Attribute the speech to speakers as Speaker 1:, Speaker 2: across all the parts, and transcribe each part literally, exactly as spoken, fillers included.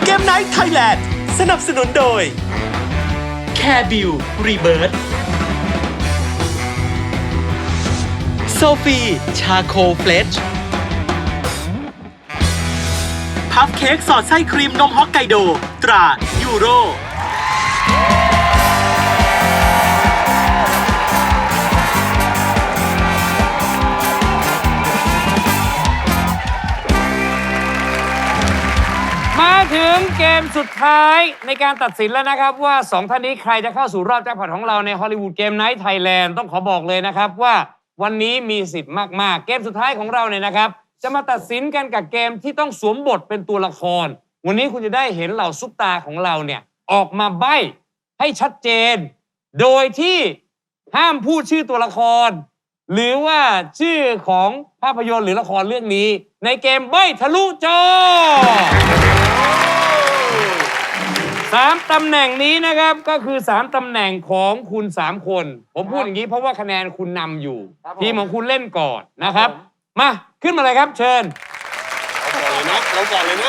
Speaker 1: เกมไนท์ไทยแลนด์สนับสนุนโดยแคร์บิวรีเบิร์ดโซฟีชาโคเฟลชพัฟเค้กสอดไส้ครีมนมฮอกไกโดตรายูโร
Speaker 2: มาถึงเกมสุดท้ายในการตัดสินแล้วนะครับว่าสองท่านนี้ใครจะเข้าสู่รอบแจ็คพอตของเราในฮอลลีวูดเกมไนท์ไทยแลนด์ต้องขอบอกเลยนะครับว่าวันนี้มีสิทธิ์มากๆเกมสุดท้ายของเราเนี่ยนะครับจะมาตัดสินกันกับเกมที่ต้องสวมบทเป็นตัวละครวันนี้คุณจะได้เห็นเหล่าซุปตาของเราเนี่ยออกมาใบ้ให้ชัดเจนโดยที่ห้ามพูดชื่อตัวละครหรือว่าชื่อของภาพยนตร์หรือละครเรื่องนี้ในเกมใบ้ทะลุจอสามตำแหน่งนี้นะครับก็คือสามตำแหน่งของคุณสามคนผมพูดอย่างนี้เพราะว่าคะแนนคุณนำอยู่ทีมของคุณเล่นก่อนนะครับมาขึ้นมาเลยครับเชิญ
Speaker 3: เราก่อนเลยนะเราก่อนเลยนะ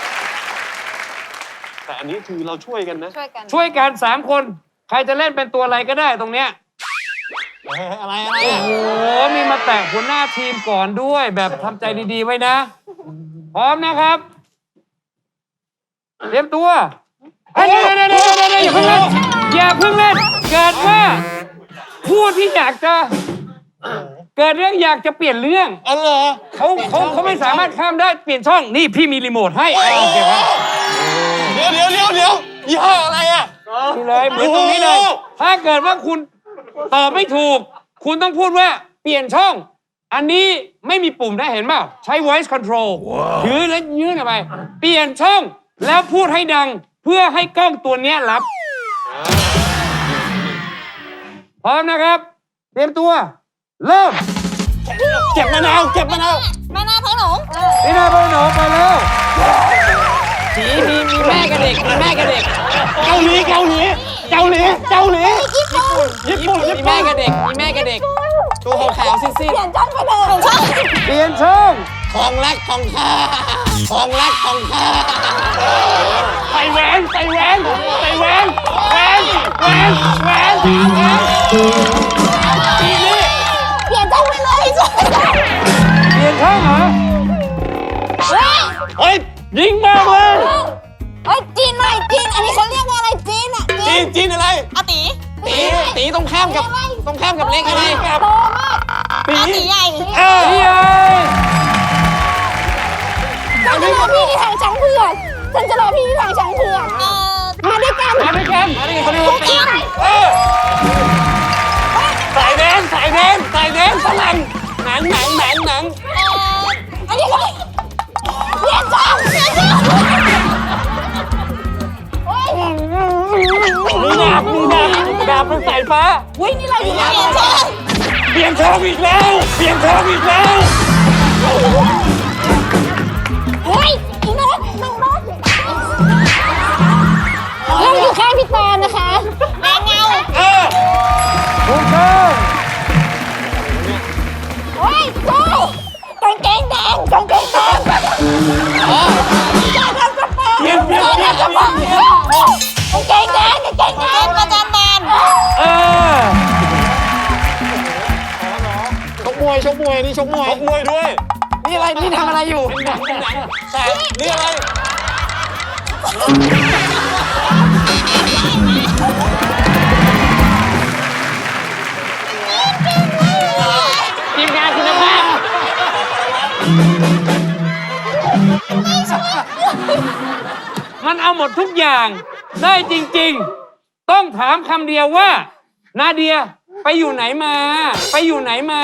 Speaker 3: แต่อันนี้คือเราช่วยกันนะ
Speaker 4: ช่วยกัน
Speaker 2: ช่วยกันสามคนใครจะเล่นเป็นตัวอะไรก็ได้ตรงเนี้ย
Speaker 3: อะไรอะไร
Speaker 2: โอ้โหมีมาแตะหัวหน้าทีมก่อนด้วยแบบทำใจดีๆไว้นะพร้อมนะครับเตรียมตัวเดี๋ยวเดี๋ยวเดี๋ยวเดี๋ยวอย่าเพิ่งเล่นอย่าเพิ่งเล่นเกิดว่าผู้ที่อยากจะเกิดเรื่องอยากจะเปลี่ยนเรื่อง
Speaker 3: อ๋อเหรอ
Speaker 2: เขาเขาเขาไม่สามารถข้ามได้เปลี่ยนช่องนี่พี่มีรีโมทให้โอเคครับ
Speaker 3: เดี๋ยวเดี๋ยวเดี๋ยวเดี๋ยวยี่ห้ออะไรอ่ะ
Speaker 2: นี่เลยเหมือนตรงนี้เลยถ้าเกิดว่าคุณตอบไม่ถูกคุณต้องพูดว่าเปลี่ยนช่องอันนี้ไม่มีปุ่มได้เห็นเปล่าใช้ voice control ถือแล้วยื่นออกไปเปลี่ยนช่องแล้วพูดให้ดังเพื่อให้กล้องตัวนี้รับพร้อมนะครับเตรียมตัวเริ่ม
Speaker 3: เก็บมะนาวเก็บมะนาว
Speaker 4: แม่นาพ่อหนู
Speaker 2: นี่นาพ่อหนูไปแล้ว
Speaker 5: สีมีมีแม่กับเด็กมีแม่กับเด็ก
Speaker 3: เกาหลีเกาหลีเกาหลีเกาหลีญี่ปุ่นญี่ปุ่น
Speaker 5: มีแม่กับเด็กมีแม่กับเด็กตัวขาวๆซีด
Speaker 4: เปลี่ยนช่องไปเลยช่อง
Speaker 2: เปลี่ยนช่อง
Speaker 5: ๆของรักของข้าของรักของข้า
Speaker 3: ใส่แหวนใส่แหวนใส่แหวนแหวนแหวนแหวนทีนี้
Speaker 4: เปลี่ยนช่องไปเลยช่วย
Speaker 2: เปลี่ยนช่องเหรอ
Speaker 4: เฮ้ย
Speaker 3: เฮ้ยยิงมากเลย
Speaker 4: เฮ้ยจีนหน่อยจีนอันนี้เขาเรียกว่าอะไรจีนอ่ะ
Speaker 3: จีนจีนอะไร
Speaker 4: อาตี
Speaker 5: ตีตีตรงข้ามกับตรงข้ามกับเล็กอะไรกับ
Speaker 4: โตมากอาตีใหญ่
Speaker 2: เอ้ย
Speaker 4: ฉันจะรอพี่ที่ทางช้างเผือกฉันจะรอพี่ที่ทางช้างเผือกมาด้วยกัน
Speaker 2: มาด้วยกัน
Speaker 5: อันนี้เขาเรียกว่าตี
Speaker 3: ใส่แดนใส่แดนใส่แดนฝรั่งหนังหนังหนังหนัง
Speaker 4: อันนี้เขาเปลี่ยนช่องเปลี่ยนช่อง
Speaker 3: มีดาบมีดาบดาบเป็นสายฟ้า
Speaker 4: วิ่งนี่เราอยู่เปลี่ยนช่อง
Speaker 3: เปลี่ยนช่องอีกแล้วเปลี่ยนช่องอีกแล้ว
Speaker 4: เฮ้ยอีโน้ตน้องโน้ตเราอยู่ข้างพี่ตอนนะคะแมงเงา
Speaker 3: เออ
Speaker 2: ถูกต้อง
Speaker 4: เฮ้ยโซ่กางเกงแดงกางเกงแดงการทำกระเป๋า
Speaker 3: เปลี่ยนเปลี่ยน
Speaker 4: การ
Speaker 3: เปลี่ยน
Speaker 4: ทำกระเป๋ากางเกงแดงกางเกงแดงประจำบาน
Speaker 2: เออ
Speaker 5: ชกมวยชกมวยนี่ชกมวย
Speaker 3: ชกมวยด้วย
Speaker 5: นี่อะไรนี่ทำอะไรอยู่
Speaker 3: หนังหนังแต่นี่อะไร
Speaker 5: ทีมงานคุณภาพ
Speaker 2: มันเอาหมดทุกอย่างได้จริงๆต้องถามคำเดียวว่านาเดียไปอยู่ไหนมาไปอยู่ไหนมา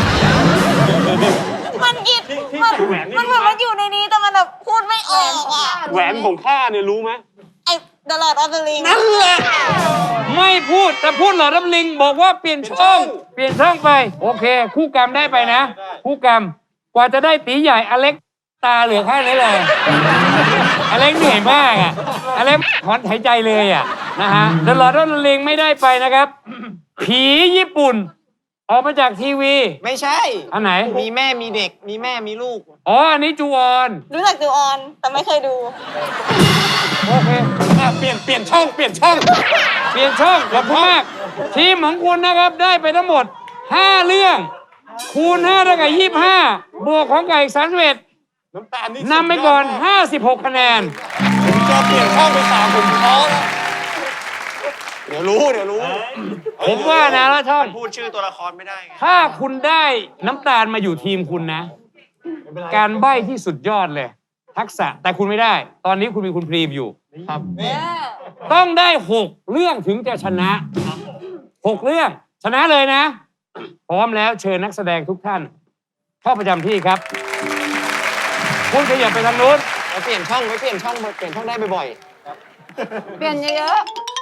Speaker 4: มันอิดมันมันเหมือนมันอยู่ในนี้แต่มันแบบพูดไม่ออกอ่ะ
Speaker 3: แหวนของข้าเนี่ยรู้ไหม
Speaker 4: ไอ้ The Lord of the Ring
Speaker 3: นั่นแหละ
Speaker 2: ไม่พูดแต่พูดหลอดน้ำลิงบอกว่าเปลี่ยนช่องเปลี่ยนช่องไปโอเค คู่กรรมได้ไปนะ คู่กรรมกว่าจะได้ตีใหญ่อเล็กตาเหลือแค่นี้เลยอเล็กเหนื่อยมากอ่ะอเล็กถอนหายใจเลยอ่ะนะฮะเดอะลอร์ดออฟเดอะริงไม่ได้ไปนะครับผีญี่ปุ่นออกมาจากทีวี
Speaker 5: ไม่ใช่
Speaker 2: อันไหน
Speaker 5: มีแม่มีเด็ก มีแม่มีลูก
Speaker 2: อ๋อ อันนี้จูออน
Speaker 4: รู้จักจูออน แต่ไม่เคยดู
Speaker 2: โอเค
Speaker 3: อ่ะเปลี่ยนเปลี่ยนช่องเปลี่ยนช่อง
Speaker 2: เปลี่ยนช่องขอบคุณมาก ทีมของคุณนะครับได้ไปทั้งหมด ห้า เรื่อง คูณห้าเท่ากับยี่สิบห้าบวกของไก่สามสิบเอ็ด
Speaker 3: น้ำตาลนี่
Speaker 2: นำไปก่อน ห้าสิบหก คะแนน
Speaker 3: ผมจะเปลี่ยนช่องไปสามผมท้อแล้วเดี๋ยวรู้เดี๋ยวรู้
Speaker 2: ผมว่านะแล้วช่อง
Speaker 3: พูดชื่อตัวละครไม่ได้ไง
Speaker 2: ถ้าคุณได้น้ำตาลมาอยู่ทีมคุณนะ การใบ้ที่สุดยอดเลย ทักษะแต่คุณไม่ได้ ตอนนี้คุณมีคุณพรีมอยู่
Speaker 5: ครับ
Speaker 2: ต้องได้หกเรื่องถึงจะชนะหกเรื่อง ชนะเลยนะ พร้อมแล้วเชิญนักแสดงทุกท่าน เข้าประจำที่ครับ คุณขยับไปทางนู้น
Speaker 5: ไปเปลี่ยนช่องไปเปลี่ยนช่องเปลี่ยนช่องได้บ่อย
Speaker 4: เปลี่ยนเยอะ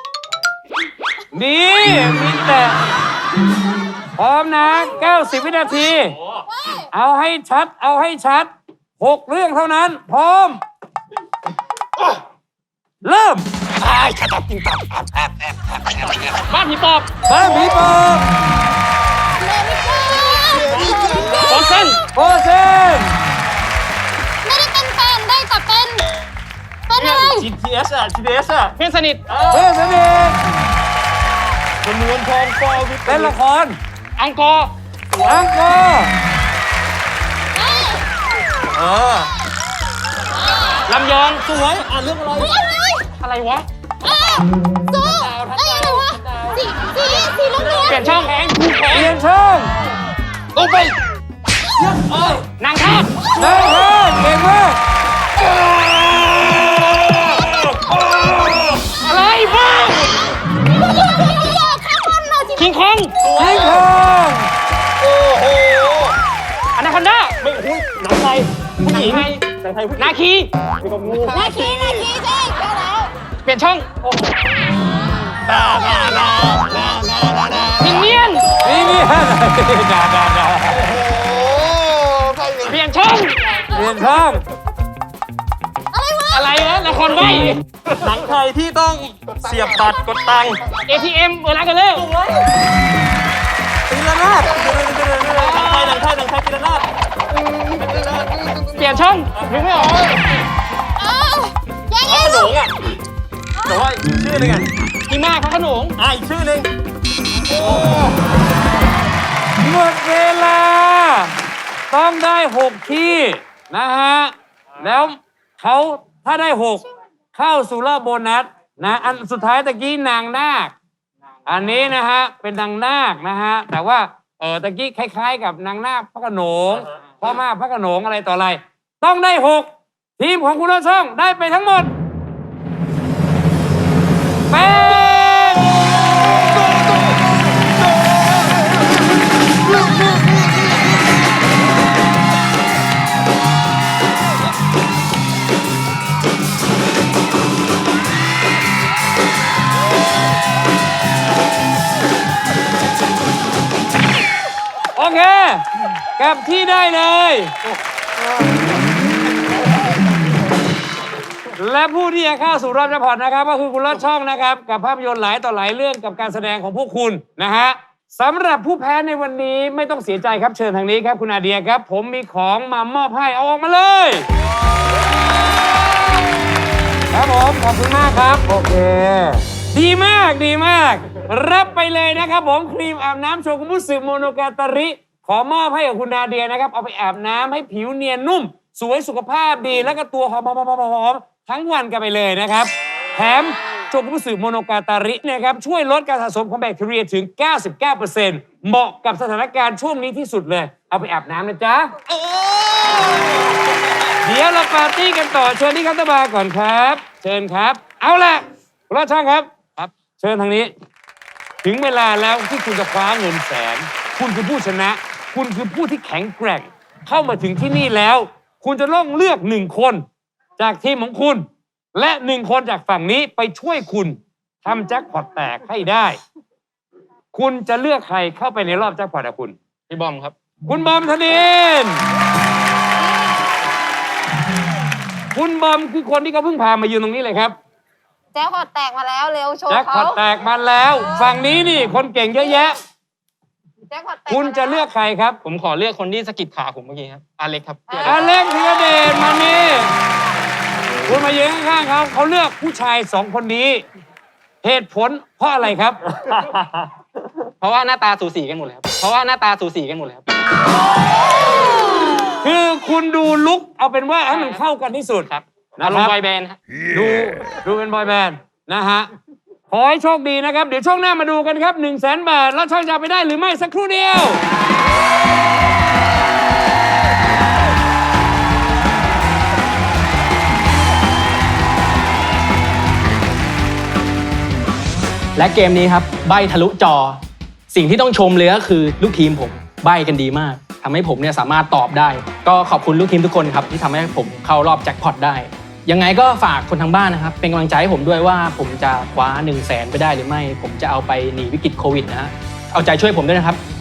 Speaker 2: นี่มีแต่ พร้อมนะ เก้าสิบ วินาที เอาให้ชัด เอาให้ชัดหกเรื่องเท่านั้น พร้อม เริ่ม
Speaker 5: ๆบ้านผีปอบ
Speaker 2: บ้านผีปอบ
Speaker 5: โอเซน
Speaker 2: โอเซน
Speaker 4: ไม่ได้เป็นแฟนได้แต่เป็น เป็นอะไร
Speaker 3: จี ที เอส อ่ะ จี ที เอส อ่ะ
Speaker 5: เพื่อนสนิท
Speaker 2: เพื่อนสนิท
Speaker 3: จำนวนทองฟอวิ
Speaker 2: เป็นละคร
Speaker 5: อังกอร์
Speaker 2: อังกอร์
Speaker 3: เออ
Speaker 5: ลำยองสวย
Speaker 3: อ่ะเรื่องอะไร
Speaker 5: อะไรวะ
Speaker 4: สู้เอ้ยอะไรวะสีสีสีเหลืองเหลือง
Speaker 5: เปลี่ยนช่องแข็งคู่แข็ง
Speaker 2: เปลี่ยนช่อง
Speaker 5: ลงไปนางทาส
Speaker 2: เดินทางเก่งมาก
Speaker 5: อะไรบ้าง
Speaker 4: ข้างบนหน่อยสิ
Speaker 5: คิงคอง
Speaker 2: ยิงทอง
Speaker 3: โอ้โห
Speaker 5: อนาคอนด้า
Speaker 3: ไม่หุ้ยหนังไทย
Speaker 5: ผู้หญิง
Speaker 3: หนังไทยผู้หญิง
Speaker 5: นาคี
Speaker 3: มีกับงู
Speaker 4: นาคีนาคีใช่ใช่แล้ว
Speaker 5: เปลี่ยนช่อง
Speaker 3: ดาดาดาดาดาดาดา
Speaker 5: มินเนี่ยน
Speaker 2: นี่นี่ฮะดาดาดา
Speaker 3: โอ้ไปเลย
Speaker 5: เปลี่ยนช่อง
Speaker 2: เปลี่ยนช่อง
Speaker 5: อะไรวะละครใบ
Speaker 3: หนังไทยที่ต้องเสียบบัตรกดตังค์
Speaker 5: เอ ที เอ็มเวลากันเร็ว
Speaker 3: ตีละนาดหนังไทยหนังไทยหนังไทยตีละนาด
Speaker 5: เปลี่ยนช่องนึกไม่ออก
Speaker 4: เอ้ายังไง
Speaker 3: ขนงอ่ะแต่ว่าอีกชื่อหนึงอ่ะ
Speaker 5: อีมาพระโขนง
Speaker 3: อ่ะอีกชื่อหนึง
Speaker 2: หมดเวลา ต้องได้หกที่นะฮะ แล้วเขาถ้าได้หกเข้าสู่รอบโบนัสนะ อันสุดท้ายตะกี้นางนาค อันนี้นะฮะ เป็นนางนาคนะฮะ แต่ว่าเออตะกี้คล้ายๆ กับนางนาคพระโขนงพ่อมาพระโขนงอะไรต่ออะไร ต้องได้หกทีมของคุณรอดช่องได้ไปทั้งหมดแปด โอเคกลับที่ได้เลย และผู้ที่จะเข้าสู่รอบแจ็คพอตนะครับ ก็คือคุณรอดช่องนะครับ กับภาพยนตร์หลายต่อหลายเรื่องกับการแสดงของพวกคุณนะฮะสำหรับผู้แพ้ในวันนี้ไม่ต้องเสียใจครับเชิญทางนี้ครับคุณอาเดียครับ ผมมีของมามอบให้เอาออกมาเลย ครับผมขอบคุณมากครับ โอเค ดีมากดีมาก รับไปเลยนะครับผมครีมอาบน้ำโชกุมุสึโมโนกาตาริ ขอมอบให้กับคุณนาเดียนะครับ เอาไปอาบน้ำให้ผิวเนียนนุ่ม สวยสุขภาพดีแล้วก็ตัวหอมๆๆๆๆทั้งวันกันไปเลยนะครับ แถมโชกุมุสึโมโนกาตารินะครับช่วยลดการสะสมของแบคทีเรียถึง เก้าสิบเก้าเปอร์เซ็นต์ เหมาะกับสถานการณ์ช่วงนี้ที่สุดเลย เอาไปอาบน้ำนะจ๊ะ เดี๋ยวเราปาร์ตี้กันต่อเชิญที่คัตเตอร์บาร์ก่อนครับ เชิญครับ เอาล่ะคุณรอดช่างครับครับ เชิญทางนี้ ถึงเวลาแล้วที่คุณจะคว้าเงินแสน คุณคือผู้ชนะ คุณคือผู้ที่แข็งแกร่ง เข้ามาถึงที่นี่แล้ว คุณจะต้องเลือกหนึ่งคน จากทีมของคุณ และหนึ่งคนจากฝั่งนี้ไปช่วยคุณทำแจ็คพอตแตกให้ได้ คุณจะเลือกใครเข้าไปในรอบแจ็คพอตอะคุณ
Speaker 5: พี่บอมครับ
Speaker 2: คุณบอมธนิน คุณบอมคือคนที่เขาเพิ่งพามายืนตรงนี้เลยครับ
Speaker 4: แจ็คพอตแตกมาแล้วเร็วโชว์
Speaker 2: แจ็คพอ
Speaker 4: เขา
Speaker 2: ตแตกมาแล้ว ฝั่งนี้นี่คนเก่งเยอะแยะคุณจะเลือกใครครับ
Speaker 5: ผมขอเลือกคนที่สะกิดขาผมเมื่อกี้ครับอาเล็กครับ
Speaker 2: อเล็กธีรเดชมานี่คุณมายืนข้างๆเขาเขาเลือกผู้ชายสองคนนี้ เหตุผลเพราะอะไรครับ
Speaker 5: เพราะว่าหน้าตาสูสีกันหมดเลยครับเพราะว่าหน้าตาสูสีกันหมดเลยครับ
Speaker 2: คือคุณดูลุกเอาเป็นว่าให้มันเข้ากันที่สุด
Speaker 5: ครับ
Speaker 2: นะ
Speaker 5: อาร
Speaker 2: ค
Speaker 5: ม
Speaker 2: รับ
Speaker 5: ณ์บอยแบนด์ครับ
Speaker 2: ดูดูเป็นบอยแบนด์นะฮะขอให้โชคดีนะครับ เดี๋ยวช่วงหน้ามาดูกันครับ1นึ่งแสนบาท แล้วช่างจะเอาไปได้หรือไม่สักครู่เดียว
Speaker 6: และเกมนี้ครับใบ้ทะลุจอ สิ่งที่ต้องชมเลยก็คือลูกทีมผมใบ้กันดีมากทำให้ผมเนี่ยสามารถตอบได้ ก็ขอบคุณลูกทีมทุกคนครับที่ทำให้ผมเข้ารอบแจ็คพอตได้ ยังไงก็ฝากคนทางบ้านนะครับเป็นกำลังใจให้ผมด้วยว่าผมจะคว้า1นึ่งแสนไปได้หรือไม่ ผมจะเอาไปหนีวิกฤตโควิดนะฮะเอาใจช่วยผมด้วยนะครับ